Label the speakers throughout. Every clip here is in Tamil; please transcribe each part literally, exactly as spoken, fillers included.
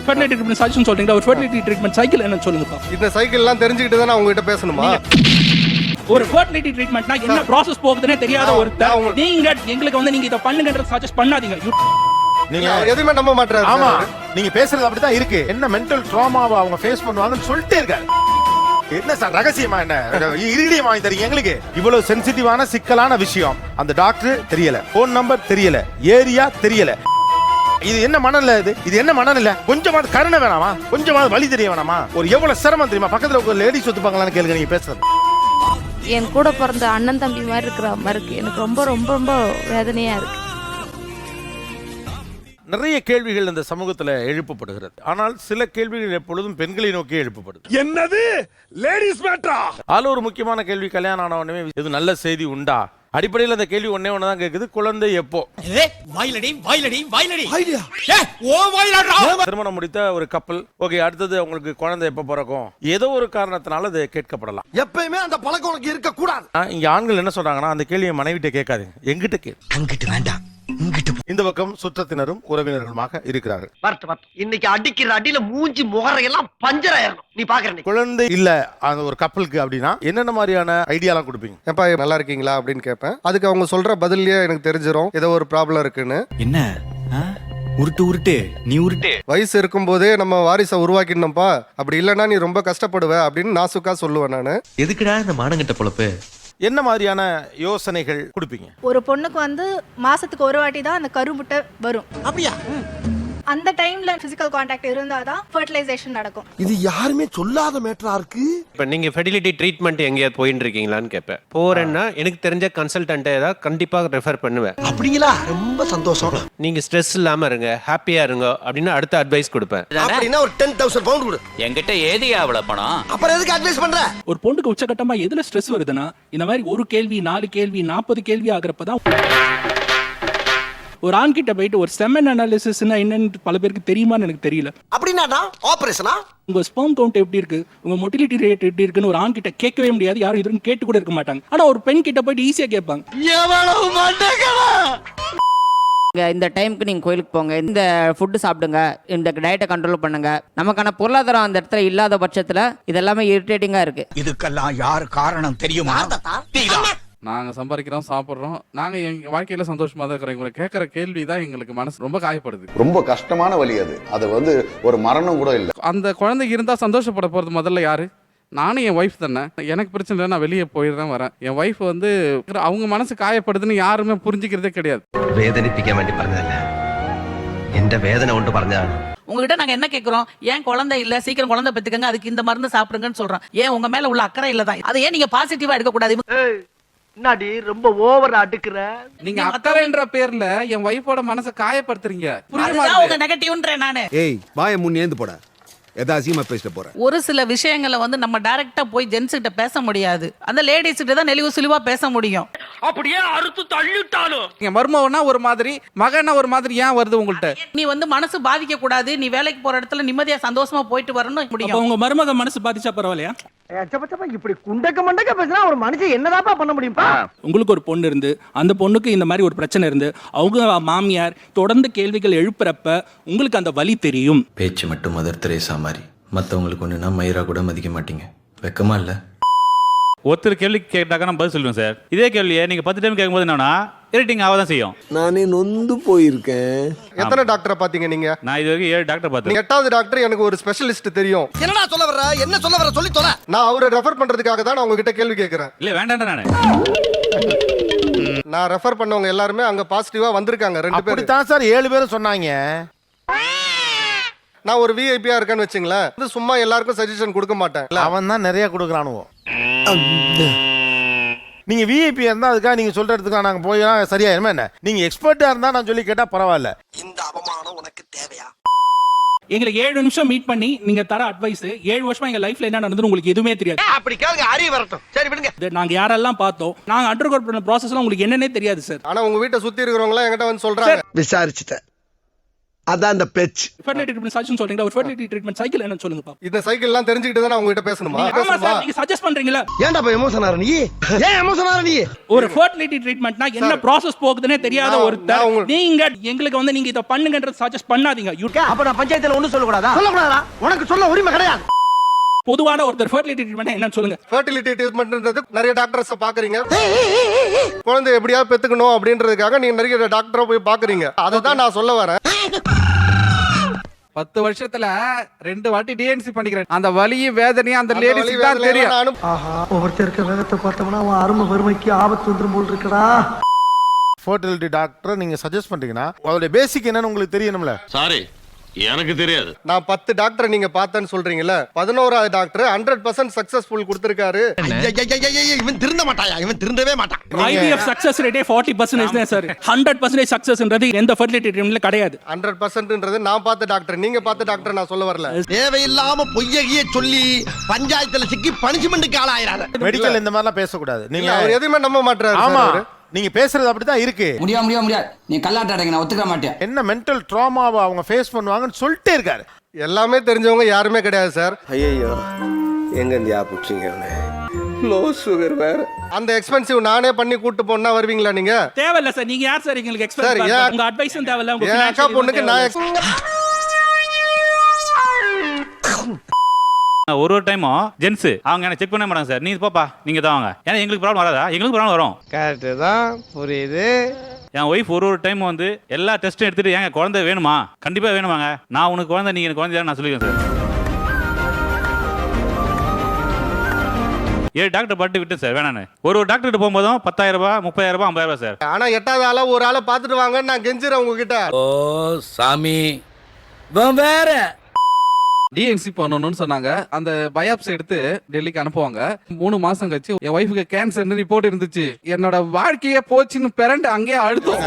Speaker 1: ஃபெர்டிலிட்டி ட்ரீட்மெண்ட் சஜஷன் சொல்றீங்க, ஒரு ஃபெர்டிலிட்டி ட்ரீட்மெண்ட் சைக்கிள் என்ன சொல்லுங்கப்பா.
Speaker 2: இந்த சைக்கிள் எல்லாம் தெரிஞ்சுக்கிட்டு தான் உங்ககிட்ட பேசணுமா?
Speaker 1: ஒரு ஃபெர்டிலிட்டி ட்ரீட்மெண்ட்னா என்ன ப்ராசஸ் போகுதுன்னே தெரியாத ஒருத்தர் நீங்க எங்களுக்கு வந்து நீங்க இத பண்ணுங்கன்ற சஜஸ்ட் பண்ணாதீங்க.
Speaker 2: நீங்க எதுவுமே நம்ப மாட்டறாரு.
Speaker 3: ஆமா, நீங்க பேசுறது அப்படிதான் இருக்கு. என்ன மென்டல் ட்ராமாவை அவங்க ஃபேஸ் பண்ணுவாங்கன்னு சொல்லிட்டே இருக்காரு. என்ன சார் ரகசியமா, என்ன இரிடியம் வாங்கி தரீங்க எங்களுக்கு? இவ்வளவு சென்சிட்டிவான சிக்கலான விஷயம், அந்த டாக்டர் தெரியல, போன் நம்பர் தெரியல, ஏரியா தெரியல. இது என்ன மனநிலை? இது இது என்ன மனநிலை? கொஞ்சமாவது கருணை வேணாமா? கொஞ்சமாவது வழி தெரிய வேணாமா? ஒரு எவ்வளவு சிரமம் தெரியுமா? பக்கத்துல ஒரு லேடிஸ் ஒத்துப்பாங்களான்னு கேளுங்க நீங்க பேசுறது.
Speaker 4: என் கூட பிறந்த அண்ணன் தம்பி மாதிரி இருக்கிற மாதிரி இருக்கு. எனக்கு ரொம்ப ரொம்ப ரொம்ப வேதனையா இருக்கு.
Speaker 3: நிறைய கேள்விகள் இந்த சமூகத்துல எழுப்பப்படுகிறது. ஆனால் சில கேள்விகள் எப்பொழுதும் பெண்களை நோக்கி எழுப்பப்படுது.
Speaker 5: என்னது லேடிஸ் மேட்டரா?
Speaker 3: அதுல ஒரு முக்கியமான கேள்வி, கல்யாணம் ஆன உடனே இது நல்ல செய்தி உண்டா? அடிப்படையில் அந்த கேள்வி ஒன்னே ஒண்ணுதான் கேக்குது, குழந்தை எப்போ? திருமணம் முடித்த ஒரு கப்பல், ஓகே, அடுத்தது உங்களுக்கு குழந்தை எப்ப பிறக்கும்? ஏதோ ஒரு காரணத்தினால அது கேட்கப்படலாம்.
Speaker 5: எப்பயுமே அந்த பழக்கம் உனக்கு இருக்க கூடாது.
Speaker 3: இங்க ஆண்கள் என்ன சொல்றாங்கன்னா, அந்த கேள்வியை மனைவிட்ட கேட்காதீங்க, எங்கிட்ட கேளு.
Speaker 5: அங்கிட்டு வேண்டாம்,
Speaker 3: இந்த பக்கம் சுற்றத்தினரும் உறவினர்களுமாக இருக்கிறார்கள்.
Speaker 6: இன்னைக்கு அடிக்கிற அடியில மூஞ்சி முகரையெல்லாம் பஞ்சர் ஆயிரணும். நீ பாக்குற
Speaker 3: குழந்தை இல்ல அந்த ஒரு கப்பலுக்கு அப்படின்னா என்னென்ன மாதிரியான ஐடியாலாம் கொடுப்பீங்க?
Speaker 2: ஏப்பா நல்லா இருக்கீங்களா அப்படின்னு கேட்பேன். அதுக்கு அவங்க சொல்ற பதிலே எனக்கு தெரிஞ்சிரும் ஏதோ ஒரு ப்ராப்ளம் இருக்குன்னு.
Speaker 7: என்ன உருட்டு உருட்டு நீ உருட்டு.
Speaker 2: வயசு இருக்கும் போதே நம்ம வாரிசை உருவாக்கிடணும்ப்பா, அப்படி இல்லைன்னா நீ ரொம்ப கஷ்டப்படுவ அப்படின்னு நாசுக்கா சொல்லுவேன் நானு.
Speaker 7: எதுக்குடா இந்த மானங்கிட்ட பொழப்பு?
Speaker 3: என்ன மாதிரியான யோசனைகள் கொடுப்பீங்க?
Speaker 8: ஒரு பொண்ணுக்கு வந்து மாசத்துக்கு ஒரு வாட்டி தான் அந்த கருமுட்டை வரும்.
Speaker 5: அப்படியா?
Speaker 8: அந்த டைம்ல பிசிக்கல் கான்டாக்ட் இருந்தாதான் ஃபெர்டிலைசேஷன் நடக்கும்.
Speaker 5: இது யாருமே சொல்லாத மேட்டரா இருக்கு.
Speaker 9: இப்போ நீங்க ஃபெர்டிலிட்டி ட்ரீட்மெண்ட் எங்கேயாவது போயிட்டு இருக்கீங்களான்னு கேட்பேன். போறேன்னா எனக்கு தெரிஞ்ச கன்சல்டன்ட்டை ஏதாவது கண்டிப்பா ரெஃபர் பண்ணுவேன்.
Speaker 5: அப்படிங்களா? ரொம்ப சந்தோஷம்.
Speaker 9: நீங்க ஸ்ட்ரெஸ் இல்லாம இருங்க, ஹாப்பியா இருங்க அப்படின்னு அடுத்த அட்வைஸ் கொடுப்பேன்.
Speaker 5: அப்படின்னா ஒரு டென் தௌசண்ட் பவுண்ட் கொடு.
Speaker 7: என்கிட்ட ஏதியா அவ்வளவு பணம்?
Speaker 5: அப்புறம் எதுக்கு அட்வைஸ் பண்ற?
Speaker 1: ஒரு பொண்ணுக்கு உச்சகட்டமா எதுல ஸ்ட்ரெஸ் வருதுன்னா, இந்த மாதிரி ஒரு கேள்வி நாலு கேள்வி நாற்பது கேள்வி ஆகிறப்பதான் ஒரு ஆண் கிட்ட போயிட்டு ஒரு செமன் அனாலிசிஸ்னா என்னன்னு பல பேருக்கு தெரியுமான்னு எனக்கு தெரியல.
Speaker 5: அப்படின்னா ஆபரேஷனா?
Speaker 1: உங்க ஸ்பெர்ம் கவுண்ட் எப்படி இருக்கு, உங்க மொட்டிலிட்டி ரேட் எப்படி இருக்குன்னு ஒரு ஆண் கிட்ட கேட்கவே முடியாது, யாரும் இதுன்னு கேட்டு கூட இருக்க மாட்டாங்க. ஆனா ஒரு பெண் கிட்ட போயிட்டு ஈஸியா கேட்பாங்க.
Speaker 4: இந்த டைமுக்கு நீங்க கோயிலுக்கு போங்க, இந்த ஃபுட்டு சாப்பிடுங்க, இந்த டயட்டை கண்ட்ரோல் பண்ணுங்க. நமக்கான பொருளாதாரம் அந்த இடத்துல இல்லாத பட்சத்துல இதெல்லாமே இரிட்டேட்டிங்கா இருக்கு.
Speaker 5: இதுக்கெல்லாம் யார் காரணம் தெரியுமா?
Speaker 10: நாங்க சம்பாதிக்கிறோம், சாப்பிடுறோம், நாங்க எங்க வாழ்க்கையில சந்தோஷமா தான் இருக்கிறோம். இவங்களை கேட்கற கேள்வி தான் எங்களுக்கு மனசு ரொம்ப காயப்படுது.
Speaker 11: ரொம்ப கஷ்டமான வழி அது. அது வந்து ஒரு மரணம் கூட இல்லை.
Speaker 10: அந்த குழந்தை இருந்தா சந்தோஷப்பட போறது முதல்ல யாரு? நானும் என் ஒய்ஃப் தானே. எனக்கு பிரச்சனை இல்லை, நான் வெளியே போயிடுறேன் வரேன். என் ஒய்ஃப் வந்து அவங்க மனசு காயப்படுதுன்னு யாருமே புரிஞ்சுக்கிறதே கிடையாது.
Speaker 6: வேதனிப்பிக்க வேண்டி പറഞ്ഞല്ല எந்த வேதனை ஒன்று പറഞ്ഞാണ്.
Speaker 4: உங்ககிட்ட நாங்க என்ன கேக்குறோம்? ஏன் குழந்தை இல்ல, சீக்கிரம் குழந்தை பெத்துக்கங்க, அதுக்கு இந்த மருந்து சாப்பிடுங்கன்னு சொல்றோம். ஏன் உங்க மேல உள்ள அக்கறை இல்லதான்? அதை ஏன் நீங்க பாசிட்டிவா எடுக்க கூடாது?
Speaker 6: என்னடி ரொம்ப ஓவர் அடுக்குற?
Speaker 10: நீங்க அக்கறைன்ற பேர்ல என் ஒய்ஃபோட மனசை காயப்படுத்துறீங்க.
Speaker 4: அதுதான் உங்க நெகட்டிவ்ன்றேன் நானு.
Speaker 5: ஏய் வாயை முன் ஏந்து போட, எதாசியமா பேசிட்டு போற.
Speaker 4: ஒரு சில விஷயங்களை வந்து நம்ம டைரக்டா போய் ஜென்ஸ் கிட்ட பேச முடியாது, அந்த லேடிஸ் கிட்ட தான் நெளிவு சுளிவா பேச முடியும்.
Speaker 6: அப்படியே அறுத்து தள்ளிட்டாலும்
Speaker 10: நீங்க மருமவனா ஒரு மாதிரி, மகனா ஒரு மாதிரி ஏன் வருது உங்கள்ட்ட?
Speaker 4: நீ வந்து மனசு பாதிக்க கூடாது, நீ வேலைக்கு போற இடத்துல நிம்மதியா சந்தோஷமா போயிட்டு வரணும் முடியும்.
Speaker 1: அப்ப உங்க மருமக மனசு பாதிச்சா பரவாயில்லையா?
Speaker 6: இப்படி குண்டக்க மண்டக்க பேசினா ஒரு மனுஷன் என்னதாப்பா பண்ண முடியும்பா?
Speaker 1: உங்களுக்கு ஒரு பொண்ணு இருந்து அந்த பொண்ணுக்கு இந்த மாதிரி ஒரு பிரச்சனை இருந்து அவங்க மாமியார் தொடர்ந்து கேள்விகள் எழுப்புறப்ப உங்களுக்கு அந்த வலி தெரியும்.
Speaker 7: பேச்சு மட்டும் மதர் தெரேசா மாதிரி, மற்றவங்களுக்கு ஒன்றுனா மயிரா கூட மதிக்க மாட்டீங்க. வெக்கமா இல்லை?
Speaker 9: ஒருத்தர் கேள்வி கேட்டாக்க நான் பதில் சொல்லுவேன் சார். இதே கேள்வியை நீங்க பத்து டைம் கேட்கும்போது என்னன்னா இரிட்டிங் ஆகதான் செய்யும்.
Speaker 5: நானே நொந்து போயிருக்கேன்.
Speaker 2: எத்தனை டாக்டரை பாத்தீங்க நீங்க?
Speaker 9: நான் இது வரைக்கும் ஏழு டாக்டர் பார்த்தேன்.
Speaker 2: எட்டாவது டாக்டர் எனக்கு ஒரு ஸ்பெஷலிஸ்ட் தெரியும்.
Speaker 5: என்னடா சொல்ல வர்ற? என்ன சொல்ல வர்ற சொல்லி தொலை.
Speaker 2: நான் அவரை ரெஃபர் பண்றதுக்காக தான் நான் உங்ககிட்ட கேள்வி கேட்கிறேன்.
Speaker 9: இல்ல வேண்டாம், நானே
Speaker 2: நான் ரெஃபர் பண்ணவங்க எல்லாருமே அங்க பாசிட்டிவா வந்திருக்காங்க. ரெண்டு பேரும்
Speaker 3: அப்படித்தான் சார் ஏழு பேரும் சொன்னாங்க.
Speaker 2: நான் ஒரு விஐபியா இருக்கேன்னு வச்சுங்களேன், சும்மா எல்லாருக்கும் சஜஷன் கொடுக்க மாட்டேன்.
Speaker 3: அவன் தான் நிறைய கொடுக்குறானுவோ. நீங்க விஐபி இருந்தா அதுக்காக நீங்க சொல்ற இடத்துக்கு நாங்க போய் சரியாயிருமா என்ன? நீங்க எக்ஸ்பர்ட்டா இருந்தா நான் சொல்லி கேட்டா பரவாயில்ல.
Speaker 5: இந்த அவமானம் உனக்கு தேவையா?
Speaker 1: எங்களுக்கு ஏழு நிமிஷம் மீட் பண்ணி நீங்க தர அட்வைஸ், ஏழு வருஷமா எங்க லைஃப்ல என்ன நடந்தது உங்களுக்கு எதுவுமே தெரியாது.
Speaker 6: அப்படி கேளுங்க, அறிவு வரட்டும். சரி விடுங்க.
Speaker 1: நாங்க யாரெல்லாம் பார்த்தோம், நாங்க அண்டர் கோட் பண்ண ப்ராசஸ்லாம் உங்களுக்கு என்னன்னே தெரியாது சார்.
Speaker 2: ஆனா உங்க வீட்டை சுத்தி இருக்கிறவங்க எல்லாம் என்கிட்ட வந்து சொல்றாங்க.
Speaker 5: விசாரிச்சுட்டேன், அதான் அந்த பெச்.
Speaker 1: ஃபெர்டிலிட்டி ட்ரீட்மெண்ட் சஜஷன் சொல்றீங்களா? ஒரு ஃபெர்டிலிட்டி ட்ரீட்மெண்ட் சைக்கிள் என்ன சொல்லுங்க பாப்போம்.
Speaker 2: இந்த சைக்கிள் எல்லாம் தெரிஞ்சுக்கிட்டு தான் நான் உங்ககிட்ட பேசணுமா?
Speaker 1: ஆமா சார், நீங்க சஜஸ்ட் பண்றீங்களா?
Speaker 5: ஏன்டா போய் எமோஷன் ஆற நீ? ஏன் எமோஷன் ஆற நீ?
Speaker 1: ஒரு ஃபெர்டிலிட்டி ட்ரீட்மெண்ட்னா என்ன ப்ராசஸ் போகுதுன்னே தெரியாத
Speaker 2: நான்
Speaker 1: ஒருத்தர்
Speaker 2: உங்க-
Speaker 1: நீங்க எங்களுக்கு வந்து நீங்க இத பண்ணுங்கன்றது சஜஸ்ட் பண்ணாதீங்க. You-
Speaker 6: அப்ப நான் பஞ்சாயத்துல ஒண்ணு சொல்ல கூடாதா? சொல்ல கூடாதா? உனக்கு சொல்ல உரிமை கிடையாது.
Speaker 1: பொதுவான ஒருத்தர் ஃபெர்டிலிட்டி ட்ரீட்மெண்ட் என்னன்னு சொல்லுங்க.
Speaker 2: ஃபெர்டிலிட்டி ட்ரீட்மெண்ட்ன்றது நிறைய டாக்டர்ஸ் பாக்குறீங்க. குழந்தை எப்படியாவது பெத்துக்கணும் அப்படின்றதுக்காக நீங்க நிறைய டாக்டரை போய் பாக்குறீங்க. அதை தான் நான் சொல்ல வரேன்.
Speaker 10: பத்து வருஷத்துல ரெண்டு வாட்டி டிஎன்சி பண்ணிக்கிறேன். அந்த வலியும் வேதனையும் அந்த
Speaker 2: அந்த வலி
Speaker 10: லேடிஸ்க்கு தான்
Speaker 2: வேதனையெல்லாம்
Speaker 10: தெரியும்.
Speaker 2: நானும்
Speaker 5: ஆஹா ஒவ்வொருத்தர் இருக்க வேகத்தை பார்த்தோம்னா அவன் அருமை வறுமைக்கு ஆபத்து வந்துரும் போல் இருக்கடா.
Speaker 3: ஃபர்டிலிட்டி டாக்டர் நீங்க சஜஸ்ட் பண்றீங்கன்னா அதோட பேசிக் என்னன்னு உங்களுக்கு தெரியணும்ல.
Speaker 9: சாரி, எனக்கு தெரியாது.
Speaker 2: நான் பத்து டாக்டர் நீங்க பார்த்தேன்னு சொல்றீங்கல்ல, பதினோராவது டாக்டர் ஹண்ட்ரட் பர்சன்ட் சக்சஸ்ஃபுல் கொடுத்திருக்காரு.
Speaker 5: இவன் திருந்த மாட்டாயா? இவன் திருந்தவே மாட்டான்.
Speaker 1: I V F சக்சஸ் ரேட்டே forty percent தான் சார். ஹண்ட்ரட் பர்சன்ட் சக்சஸ்ன்றது எந்த ஃபெர்டிலிட்டி ட்ரீட்மெண்ட்ல கிடையாது.
Speaker 2: ஹண்ட்ரட் பர்சன்ட்ன்றது நான் பார்த்த டாக்டர், நீங்க பார்த்த டாக்டர் நான் சொல்ல வரல.
Speaker 5: தேவையில்லாம பொய்யகிய சொல்லி பஞ்சாயத்துல சிக்கி பனிஷ்மெண்ட்டுக்கு ஆளாயிராத.
Speaker 3: மெடிக்கல் இந்த மாதிரிலாம் பேசக்கூடாது.
Speaker 2: நீங்க
Speaker 3: நீங்க
Speaker 2: அவர் எதுவுமே நம்ப மாட்டாரு.
Speaker 3: ஆமா நீங்க பேசுறது அப்படிதான் இருக்கு.
Speaker 4: முடியாது முடியாது முடியாது நீ கல்லாட்டாடங்க, நான் ஒத்துக்க மாட்டேன்.
Speaker 3: என்ன மென்டல் ட்ராமாவை அவங்க ஃபேஸ் பண்ணுவாங்கன்னு சொல்லிட்டே இருக்காரு.
Speaker 2: எல்லாமே தெரிஞ்சவங்க யாருமே கிடையாது சார்.
Speaker 5: ஐயோ எங்க இந்தியா புடிச்சீங்க? லோ சுகர் வேற.
Speaker 2: அந்த எக்ஸ்பென்சிவ் நானே பண்ணி கூட்டு போனா வருவீங்களா நீங்க?
Speaker 1: தேவையில்ல சார். நீங்க யார் சார் எங்களுக்கு
Speaker 2: சார்,
Speaker 1: எக்ஸ்பெக்ட்
Speaker 2: ஏன்
Speaker 1: உங்க அட்வைஸும் தேவையில்ல, உங்க
Speaker 2: என் அக்கா
Speaker 1: financial
Speaker 2: பொண்ணுக்கு நான்
Speaker 9: ஒரு ஒரு டைமும் ஜென்ஸ் அவங்க என்ன செக் பண்ண மாட்டாங்க சார். நீ போப்பா, நீங்க தான் வாங்க. ஏன்னா எங்களுக்கு ப்ராப்ளம் வராதா? எங்களுக்கு ப்ராப்ளம் வரும்.
Speaker 6: கரெக்ட் தான், புரியுது.
Speaker 9: என் ஒய்ஃப் ஒரு ஒரு டைம் வந்து எல்லா டெஸ்ட்டும் எடுத்துட்டு ஏங்க குழந்தை வேணுமா? கண்டிப்பா வேணுமாங்க. நான் உனக்கு குழந்தை, நீங்க எனக்கு குழந்தை நான் சொல்லிக்கிறேன் சார். ஏழு டாக்டர் பாட்டு விட்டு சார் வேணான்னு. ஒரு ஒரு டாக்டர் போகும்போதும் பத்தாயிரம் ரூபாய், முப்பதாயிரம் ரூபாய், ஐம்பதாயிரம் ரூபாய் சார்.
Speaker 2: ஆனா எட்டாவது ஆளா ஒரு ஆளை பாத்துட்டு வாங்கன்னு நான் கெஞ்சிரேன் உங்ககிட்ட.
Speaker 5: ஓ சாமி வேற.
Speaker 10: டிஎன்சி பண்ணணும்னு சொன்னாங்க. அந்த பயாப்சி எடுத்து டெல்லிக்கு அனுப்புவாங்க. மூணு மாசம் கழிச்சு என் ஒய்ஃபுக்கு கேன்சர்னு ரிப்போர்ட் இருந்துச்சு. என்னோட வாழ்க்கையே போச்சுன்னு பிறண்டு அங்கேயே அழுத்தம்.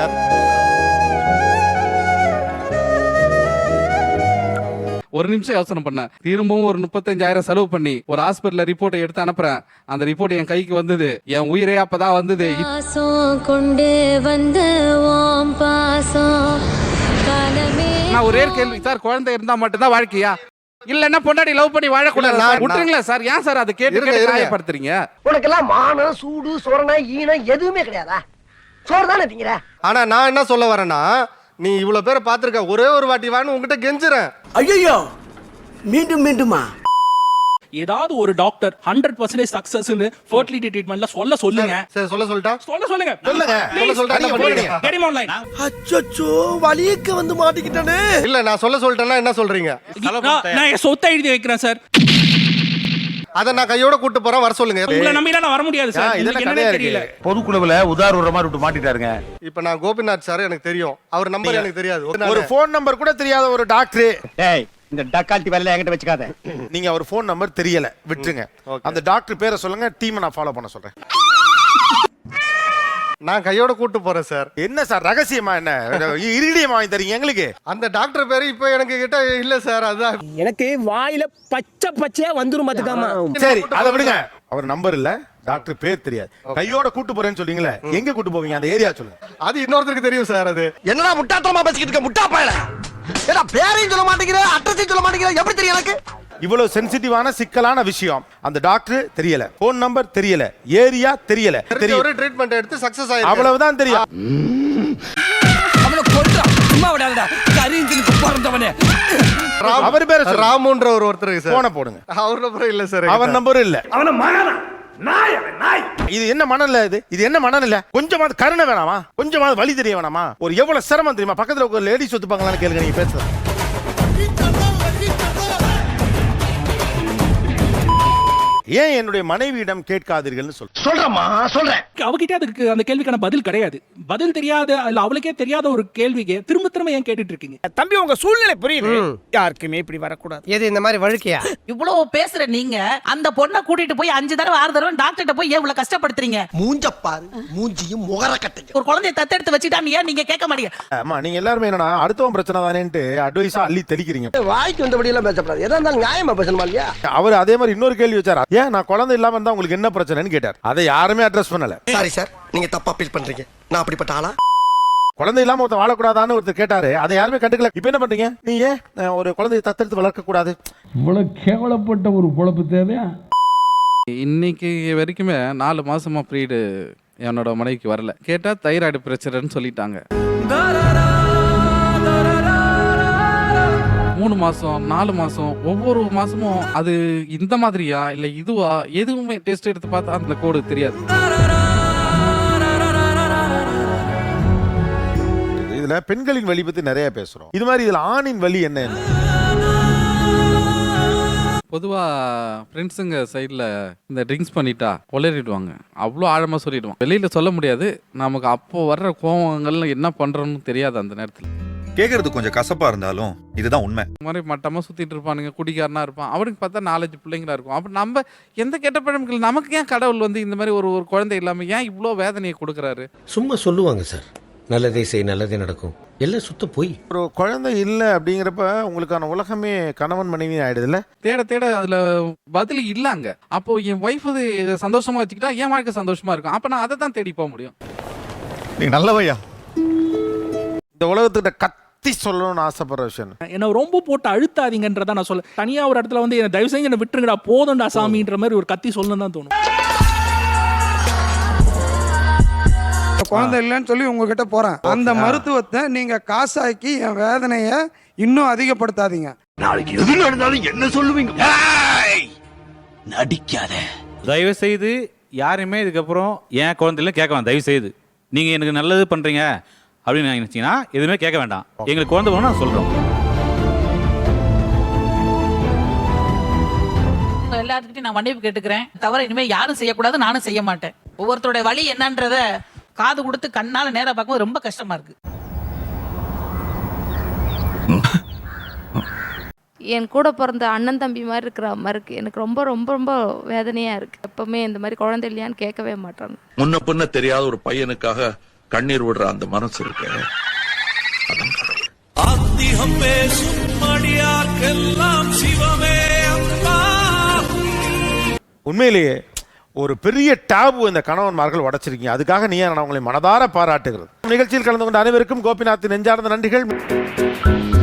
Speaker 10: ஒரு நிமிஷம் யோசனை பண்ணேன். திரும்பவும் ஒரு முப்பத்தஞ்சாயிரம் செலவு பண்ணி ஒரு ஹாஸ்பிட்டல்ல ரிப்போர்ட்டை எடுத்து அனுப்புறேன். அந்த ரிப்போர்ட் என் கைக்கு வந்தது. என் உயிரே அப்பதான் வந்தது.
Speaker 8: கொண்டு வந்த ஓம் பாசம் காலமே.
Speaker 10: நான் ஒரே கேள்வி சார், குழந்தை இருந்தா மட்டும்தான் வாழ்க்கையா? இல்லன்னா பொண்டாடி லவ் பண்ணி வாழக்கூடாது?
Speaker 2: இல்ல, நான்-
Speaker 10: விட்டுருங்களா சார்? ஏன் சார் அதை கேட்டு
Speaker 2: இருங்க,
Speaker 10: கேட்டு
Speaker 2: இருங்க.
Speaker 10: நியாயப்படுத்துறீங்க?
Speaker 6: உனக்கெல்லாம் மானம், சூடு, சொரணை, ஈனம் எதுவுமே கிடையாதா? சோறு தானே திங்கிற?
Speaker 2: ஆனா நான் என்ன சொல்ல வரேன்னா, நீ இவ்வளவு பேரை பாத்துருக்க, ஒரே ஒரு வாட்டி வான்னு உங்ககிட்ட கெஞ்சுறேன்.
Speaker 5: ஐயோ மீண்டும் மீண்டுமா?
Speaker 1: ஏதாவது ஒரு டாக்டர் ஹண்ட்ரட் பர்சன்டேஜ் சக்சஸ்னு ஃபெர்டிலிட்டி ட்ரீட்மெண்ட்ல சொல்ல சொல்லுங்க.
Speaker 2: சரி சொல்ல சொல்லிட்டா?
Speaker 1: சொல்ல சொல்லுங்க.
Speaker 3: சொல்லுங்க.
Speaker 2: சொல்ல சொல்லிட்டா என்ன பண்ணுவீங்க?
Speaker 1: Get him online.
Speaker 5: அச்சச்சோ வலியக்க வந்து மாட்டிக்கிட்டானே.
Speaker 2: இல்ல நான் சொல்ல சொல்லிட்டேன்னா என்ன சொல்றீங்க?
Speaker 1: நான் நான் என் சொத்தை எழுதி வைக்கிறேன் சார்.
Speaker 2: அதை நான் கையோட கூட்டு போறேன், வர சொல்லுங்க.
Speaker 1: உங்களை நம்பிலாம் நான் வர முடியாது சார்.
Speaker 3: இதெல்லாம்
Speaker 1: உங்களுக்கு
Speaker 3: கதையா
Speaker 1: என்னன்னே
Speaker 3: இருக்கு.
Speaker 1: தெரியல.
Speaker 3: பொதுக்குழுவுல உதாரண மாதிரி விட்டு மாட்டிட்டாருங்க.
Speaker 2: இப்ப நான் கோபிநாத் சார் எனக்கு தெரியும், அவர் நம்பர் எனக்கு தெரியாது.
Speaker 3: ஒரு போன் நம்பர் கூட தெரியாத ஒரு டாக்டர்.
Speaker 6: டேய், இந்த டக்கால்ட்டி வேலையில என்கிட்ட வச்சுக்காத.
Speaker 3: நீங்க அவர் போன் நம்பர் தெரியல, விட்டுருங்க. அந்த டாக்டர் பேரை சொல்லுங்க, டீமை நான் ஃபாலோ பண்ண சொல்றேன்.
Speaker 2: நான் கையோட கூட்டு போறேன் சார்.
Speaker 3: என்ன சார் ரகசியமா? என்ன இரிடியம் வாங்கி தரீங்க எங்களுக்கு?
Speaker 2: அந்த டாக்டர் பேரு இப்ப எனக்கு கிட்ட இல்ல சார். அதான்
Speaker 6: எனக்கு வாயில பச்சை பச்சையா வந்துரும் பாத்துக்காம.
Speaker 3: சரி அதை விடுங்க. அவர் நம்பர் இல்ல, டாக்டர் பேர் தெரியாது. கையோட கூட்டு போறேன்னு சொல்றீங்களே, எங்க கூட்டு போவீங்க? அந்த ஏரியா சொல்லுங்க.
Speaker 2: அது இன்னொருத்தருக்கு தெரியும் சார். அது
Speaker 5: என்னடா முட்டாத்தனமா பேசிக்கிட்டு இருக்க முட்டா பயல. ஏடா பேரையும் சொல்ல மாட்டேங்கிற, அட்ரஸையும் சொல்ல மாட்டேங்கிற, எப்படி தெரியும் எனக்கு?
Speaker 3: இவ்வளவு சென்சிட்டிவான சிக்கலான விஷயம். அந்த டாக்டர் தெரியல, போன் நம்பர் தெரியல, ஏரியா தெரியல,
Speaker 2: தெரிஞ்ச
Speaker 3: தெரியும்.
Speaker 2: ஒரு ட்ரீட்மெண்ட் எடுத்து சக்சஸ் ஆயிருக்கு.
Speaker 3: அவ்வளவுதான் தெரியும்.
Speaker 5: அவனை கொல்றா சும்மா விடாதடா. கரீந்தினுக்கு பிறந்தவனே.
Speaker 2: ராம்-
Speaker 3: அவர் பேரை சொல்லுங்க.
Speaker 2: ராமுன்ற ஒரு ஒருத்தருக்கு சார்.
Speaker 3: போன போடுங்க.
Speaker 2: அவர் நம்பர் இல்ல சார்.
Speaker 3: அவர் நம்பரும் இல்ல.
Speaker 6: அவன மகனா நாய் அவன் நாய்.
Speaker 3: இது என்ன மனநிலை? இது இது என்ன மனநிலை? கொஞ்சமாவது கருணை வேணாமா? கொஞ்சமாவது வலி தெரிய வேணாமா? ஒரு எவ்வளவு சிரமம் தெரியுமா? பக்கத்துல ஒரு லேடிஸ் ஒத்துப்பாங்களான்னு கேளுங்க நீங்க பேசுறது. ஏன் என்னுடைய மனைவியிடம் கேட்காதீர்கள்னு சொல்றேன்.
Speaker 6: சொல்றேம்மா சொல்றேன்.
Speaker 1: அவகிட்ட அதுக்கு அந்த கேள்விக்கான பதில் கிடையாது. பதில் தெரியாத இல்ல அவளுக்கே தெரியாத ஒரு கேள்விக்கு திரும்ப திரும்ப ஏன் கேட்டுட்டு இருக்கீங்க?
Speaker 6: தம்பி உங்க சூழ்நிலை புரியுது. யாருக்குமே இப்படி வரக்கூடாது. எது இந்த மாதிரி வழுக்கையா?
Speaker 4: இவ்வளவு பேசுற நீங்க அந்த பொண்ணை கூட்டிட்டு போய் அஞ்சு தடவை ஆறு தடவை டாக்டர்கிட்ட போய் ஏன் இவ்வளவு கஷ்டப்படுத்துறீங்க?
Speaker 5: மூஞ்ச பாரு, மூஞ்சியும் முகர கட்டையும்.
Speaker 4: ஒரு குழந்தைய தத்தெடுத்து வச்சுட்டா ஏன் நீங்க கேட்க மாட்டீங்க?
Speaker 3: ஆமா நீங்க எல்லாருமே என்னன்னா அடுத்தவன் பிரச்சனை தானேன்ட்டு அட்வைஸா அள்ளி தெளிக்கிறீங்க.
Speaker 5: வாய்க்கு வந்தபடி எல்லாம் பேசப்படாது. எதா இருந்தாலும் நியாயமா பேசணுமா இல்லையா?
Speaker 3: அவர் அதே மாதிரி இன்னொரு கேள்வி வச்சார். ஏன் நான் குழந்தை இல்லாம இருந்தா உங்களுக்கு என்ன பிரச்சனைன்னு கேட்டார். அதை யாருமே அட்ரஸ் பண்ணல.
Speaker 5: சாரி சார், நீங்க தப்பா ஃபீல் பண்றீங்க. நான் அப்படிப்பட்ட ஆளா?
Speaker 3: குழந்தை இல்லாம ஒருத்தர் வாழக்கூடாதான்னு ஒருத்தர் கேட்டாரு, அதை யாருமே கண்டுக்கல. இப்ப என்ன பண்றீங்க? நீ ஏன் அஹ், ஒரு குழந்தையை தத்தெடுத்து வளர்க்க கூடாது?
Speaker 10: இவ்வளவு கேவலப்பட்ட ஒரு பொழப்பு தேவையா? இன்னைக்கு வரைக்குமே நாலு மாசமா ப்ரீடு என்னோட மனைவிக்கு வரல. கேட்டா தைராய்டு பிரச்சனைன்னு சொல்லிட்டாங்க. மூணு மாசம் நாலு மாசம் ஒவ்வொரு மாசமும் அது இந்த மாதிரியா இல்ல இதுவா எதுவுமே டெஸ்ட் எடுத்து பார்த்தா அந்த கோடு தெரியாது.
Speaker 3: இதுல பெண்களின் வலி பத்தி நிறைய பேசுறோம். இது மாதிரி இதுல ஆணின் வலி என்ன?
Speaker 10: பொதுவா ஃப்ரெண்ட்ஸுங்க சைடில் இந்த ட்ரிங்க்ஸ் பண்ணிட்டா கொளறிடுவாங்க. அவ்வளோ ஆழமாக சொல்லிடுவான். வெளியில் சொல்ல முடியாது. நமக்கு அப்போ வர்ற கோவங்கள்ல என்ன பண்ணுறோன்னு தெரியாது அந்த நேரத்தில்.
Speaker 11: கேக்குறது கொஞ்சம் கசப்பா இருந்தாலும் இதுதான் உண்மை.
Speaker 10: இந்த மாதிரி மட்டமாக சுற்றிட்டு இருப்பானுங்க, குடிக்காரனா இருப்பான். அவனுக்கு பார்த்தா நாலஞ்சு பிள்ளைங்களா இருக்கும். அப்போ நம்ம எந்த கெட்ட பழமங்கள் நமக்கு ஏன் கடவுள் வந்து இந்த மாதிரி ஒரு ஒரு குழந்தை இல்லாமல் ஏன் இவ்வளோ வேதனையை கொடுக்குறாரு?
Speaker 5: சும்மா சொல்லுவாங்க சார், நல்லதே செய் நல்லதே நடக்கும், எல்லாம் சுத்த போய்.
Speaker 3: ஒரு குழந்தை இல்லை அப்படிங்கிறப்ப உங்களுக்கான உலகமே கணவன் மனைவி ஆயிடுதுல்ல.
Speaker 10: தேட தேட அதுல பதில் இல்லாங்க. அப்போ என் ஒய்ஃப் அது சந்தோஷமா வச்சுக்கிட்டா என் வாழ்க்கை சந்தோஷமா இருக்கும். அப்ப நான் அதை தான் தேடி போக முடியும்.
Speaker 3: நீ நல்லவையா. இந்த உலகத்துக்கிட்ட கத்தி சொல்லணும்னு ஆசைப்படுற விஷயம்
Speaker 1: என்ன ரொம்ப போட்டு அழுத்தாதீங்கன்றதான் நான் சொல்ல. தனியா ஒரு இடத்துல வந்து என்ன தயவு செஞ்சு என்ன விட்டுருங்கடா போதும்டா சாமின்ற மாதிரி ஒரு கத்தி சொல்லணும் தான் தோணும்.
Speaker 12: குழந்தை இல்லைன்னு சொல்லி உங்ககிட்ட போறேன். அந்த மருத்துவத்தை நீங்க காசாக்கி என் வேதனையை இன்னும் அதிகப்படுத்தாதீங்க.
Speaker 5: நாளைக்கு எது நடந்தாலும் என்ன சொல்லுவீங்க? நடிக்காத.
Speaker 9: தயவு செய்து யாருமே இதுக்கப்புறம் ஏன் குழந்தைல கேட்க வேண்டாம். தயவு செய்து நீங்க எனக்கு நல்லது பண்றீங்க அப்படின்னு நினைச்சீங்கன்னா எதுவுமே கேட்க வேண்டாம். எங்களுக்கு குழந்தை வேணும் நான் சொல்றோம்.
Speaker 4: எல்லாத்துக்கிட்டையும் நான் மன்னிப்பு கேட்டுக்கிறேன். தவிர இனிமே யாரும் செய்யக்கூடாது, நானும் செய்ய மாட்டேன். ஒவ்வொருத்தருடைய வழி என்னன்றத காது கொடுத்து கண்ணால நேரா பார்க்கும்போது ரொம்ப கஷ்டமா இருக்கு.
Speaker 8: என் கூட பிறந்த அண்ணன் தம்பி மாதிரி இருக்கிற அம்மா இருக்கு. எனக்கு ரொம்ப ரொம்ப ரொம்ப வேதனையா இருக்கு. எப்பவுமே இந்த மாதிரி குழந்தை இல்லையான்னு கேட்கவே மாட்டாங்க.
Speaker 11: முன்ன பின்ன தெரியாத ஒரு பையனுக்காக கண்ணீர் விடுற அந்த மனசு இருக்கு.
Speaker 3: உண்மையிலேயே ஒரு பெரிய டாபு இந்த கணவன்மார்கள் உடைச்சிருக்கீங்க. அதுக்காக நீ நான் உங்களை மனதார பாராட்டுகிறது. நிகழ்ச்சியில் கலந்து கொண்ட அனைவருக்கும் கோபிநாத் நெஞ்சார்ந்த நன்றிகள்.